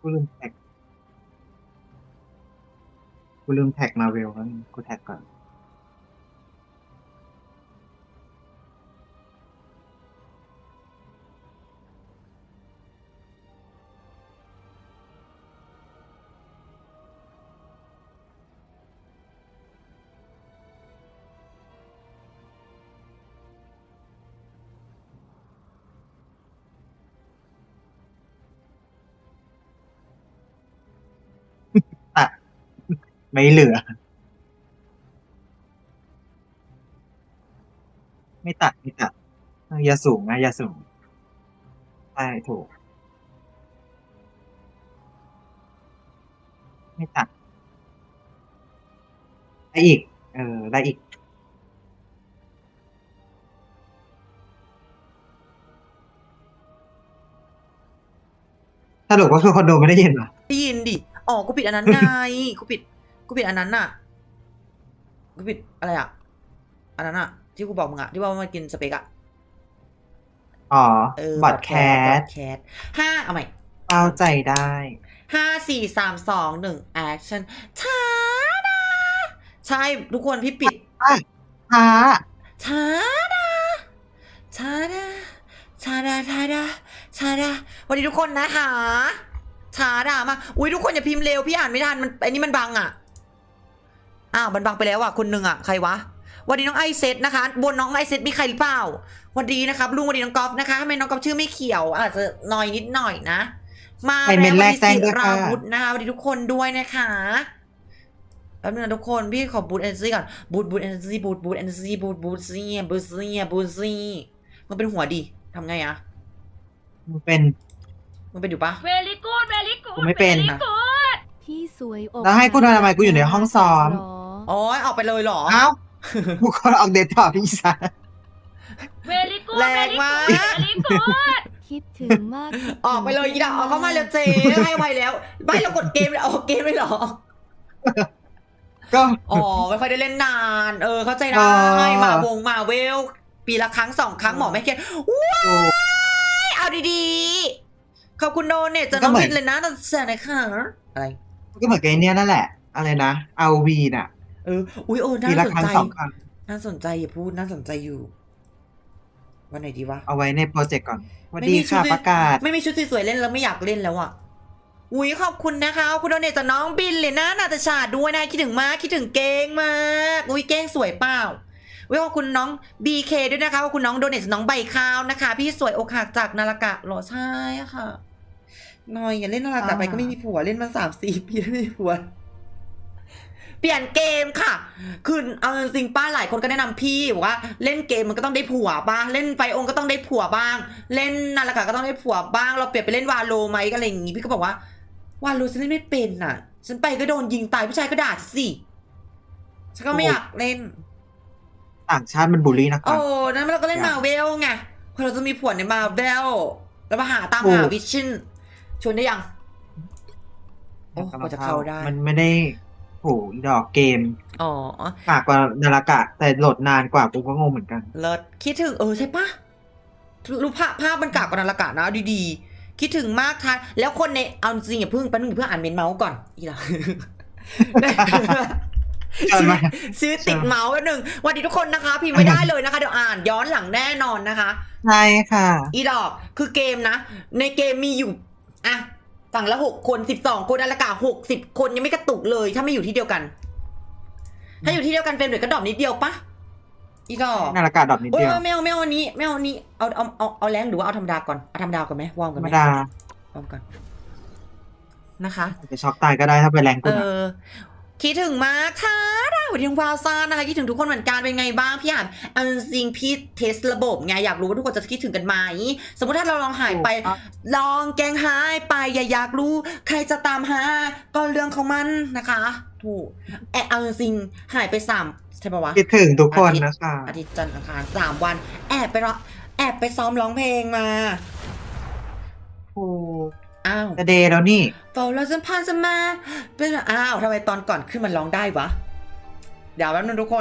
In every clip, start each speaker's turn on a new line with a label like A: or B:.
A: ลืมแท็กมาเวลแล้วกูแท็กก่อนตัดไม่เหลือ ไม่ตัดอย่าสูงนะอย่าสูงใช่ถูกไม่ตัดได้อีกได้อีกสรุปก็คือคอนโดไม่ได้ยินเหรอ
B: ได้ยินดิอ๋อกูปิดอันนั้นไงกูปิดอันนั้นน่ะกูปิดอะไรอ่ะอันนั้นอ่ะที่กูบอกมึงอ่ะที่ว่ามันกินสเปกอ่ะ
A: อ๋
B: บอ
A: ดแคส
B: 5เอาใหม่
A: เข้าใจได้
B: 5 4 3 2 1แอคชั่นช้าดาใช่ทุกคนพี่ปิด
A: ช้า
B: ช้าดาช้าดาช้าดาช้าดาช้าดาวันนี้ทุกคนนะคะช้าดามาอุ้ยทุกคนอย่าพิมพ์เร็วพี่อ่านไม่ทันมันอันนี้มันบังอ่ะอ้าวมันบังไปแล้วอ่ะคนหนึ่งอ่ะใครวะวันนี้น้องไอเซตนะคะบนน้องไอเซตมีใครหรือเปล่าวันดีนะครับลุงวันดีน้องกอล์ฟนะคะทำไมน้องกอล์ฟชื่อไม่เขียวอาจจะนอยนิดหน่อยนะมาแล้ววันนี้ศิราวุธนะคะวันนี้ทุกคนด้วยนะคะแป๊บนึงนะทุกคนพี่ขอบูทเอเนอร์จีก่อนบูทเอเนอร์จีบูทเอเนอร์จีบูทซี่มันเป็นหัวดิทำไงอะ
A: มันเป็น
B: อยู่ปะ
C: เวลิกูด
A: กูไม่เป็น
C: พี่สวยอก
A: แล้วให้กูทำไมกูอยู่ในห้องซ้อม
B: อ๋อออกไปเลยเหรอ
A: เอ้ากูก็ออกเดทต่อพี่สา
C: เวลิกูด
B: แรงมาก
C: คิดถึงมาก
B: ออกไปเลยอีดาออกเข้ามาแล้วเจ๊ให้ไปแล้วไม่เรากดเกมออกเกมไม่หรอ
A: ก็
B: ไม่ค่อยได้เล่นนานเข้าใจได้มาเวลปีละครั้ง2 ครั้งหมอไม่เครียดว้ายเอาดีๆขอบคุณโดนเนี่ยจะน้องบินเลยนะแต่เสียหน่อยค่ะอะไร
A: ก็เหมือนกับเนี่ยนั่นแหละอะไรนะเอาวีน่ะ
B: อุ้ย
A: น่าสนใจ
B: น่าสนใจอย่าพูดน่าสนใจอยู่วันไหนดีวะ
A: เอาไว้ในโปรเจกต์ก่อนวันดีค่ะประกาศ
B: ไม่มีชุดสวยๆเล่นแล้วไม่อยากเล่นแล้วอ่ะอุ้ยขอบคุณนะคะคุณโดเนตจากน้องบินเลยนะนาตาชาด้วยนะคิดถึงมากคิดถึงเก้งมากอุ้ยเก้งสวยเปล่าขอบคุณน้อง BK ด้วยนะคะขอบคุณน้องโดเนตน้องใบข้าวนะคะพี่สวยอกหักจากนารากะหรอใช่ค่ะน้อยอย่าเล่นนารากะไปก็ไม่มีผัวเล่นมา3-4 ปีไม่มีผัวเปลี่ยนเกมค่ะคือเอาจริงป้าหลายคนก็แนะนำพี่บอกว่าเล่นเกมมันก็ต้องได้ผัวบ้างเล่นไฟองก็ต้องได้ผัวบ้างเล่นนารากะก็ต้องได้ผัวบ้างเราเปลี่ยนไปเล่นวาโลไหมก็อะไรอย่างงี้พี่ก็บอกว่าวาโลฉันเล่นไม่เป็นน่ะฉันไปก็โดนยิงตายผู้ชายก็ด่าสิฉันก็ไม่อยากเล่น
A: ต่างชาติมันบูลลี่นะคะ
B: นั้นเราก็เล่นมาเวลไงพอเราจะมีผัวในมาเวลแล้วมาตามหาวิชั่นชวนได้ยังก็จะเข้าได้
A: มันไม่ได้โหดอกเกมปากกว่านาฬิกาแต่โหลดนานกว่ากูก็งงเหมือนกัน
B: เลิศคิดถึงใช่ปะรูปภาพมันกากกว่านาฬิกานะดีๆคิดถึงมากค่ะแล้วคนในเอาจริงอย่าเพิ่งอ่านเมนเมาส์ก่อนอีหล่ะซื้อติดเมาส์1วันนี้ทุกคนนะคะพิมพ์ไม่ได้เลยนะคะเดี๋ยวอ่านย้อนหลังแน่นอนนะคะ
A: ใช่ค่ะ
B: อีดอกคือเกมนะในเกมมีอยู่ฝั่งละ6 คน12 คนนาฬิกา60 คนยังไม่กระตุกเลยถ้าไม่อยู่ที่เดียวกันถ้าอยู่ที่เดียวกันเฟรมเรทก็ดรอปนิดเดียวปะอีดอก
A: นาฬิกาดรอปนิดเดียว
B: ไม่เอาอันนี้เอาแรงหรือว่าเอาธรรมดาก่อนเอาธรรมดาก่อนไหมวอร์มก่อนไหมวอร์มก่อนนะคะ
A: จะช็อกตายก็ได้ถ้าไปแรงกว่า
B: คิดถึงมากค่ะวันนี้วาวซ่านะคะคิดถึงทุกคนเหมือนกันเป็นไงบ้างพี่อ่านอันจริงพี่เทสระบบไงอยากรู้ว่าทุกคนจะคิดถึงกันไหมสมมติถ้าเราลองหายไปลองแกงหายไปอยากรู้ใครจะตามหาก็เรื่องของมันนะคะถูกอันจริงหายไป3ใช่ปะวะ
A: คิดถึงทุกคนนะคะ
B: อาทิตย์จันทร์อังคาร3 วันแอบไปซ้อมร้องเพลงมา
A: จะเดย์แล้วนี่
B: เฝ้าเราสัมพันธ์จะมาเป็นทำไมตอนก่อนขึ้นมันร้องได้วะเดี๋ยวแป๊บนึงทุกคน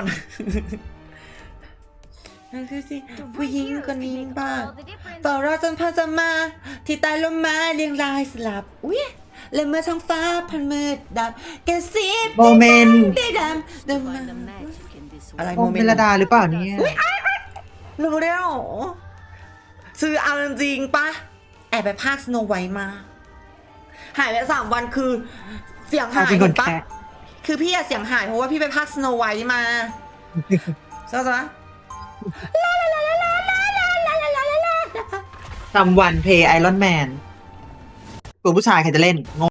B: ดูสิผู้หญิงคนนี้บ้าเฝ้าเราสัมพันธ์จะมาที่ใต้ลมไม้เรียงรายสลับอุ้ยและเมื่อท้องฟ้าพันมืดดำกระซิบ
A: โมเมนต์
B: ได้ดำอะไร
A: โม
B: โมเม
A: เม
B: น
A: ล
B: ต์
A: ดาหรือเปล่าเนี่ย
B: รู้ได้หรอซื้อเอาจริงๆปะแอบไปภาคสโนไวท์มา หายไป3 วันคือเสียงหาย
A: เป็นคน
B: เห็นปะ
A: แคะ
B: คือพี่อะเสียงหายเพราะว่าพี่ไปภาคสโนไวท์มาใช่ไหม
A: ทำวันเพย์ไอรอนแมนตัวผู้ชายใครจะเล่นงง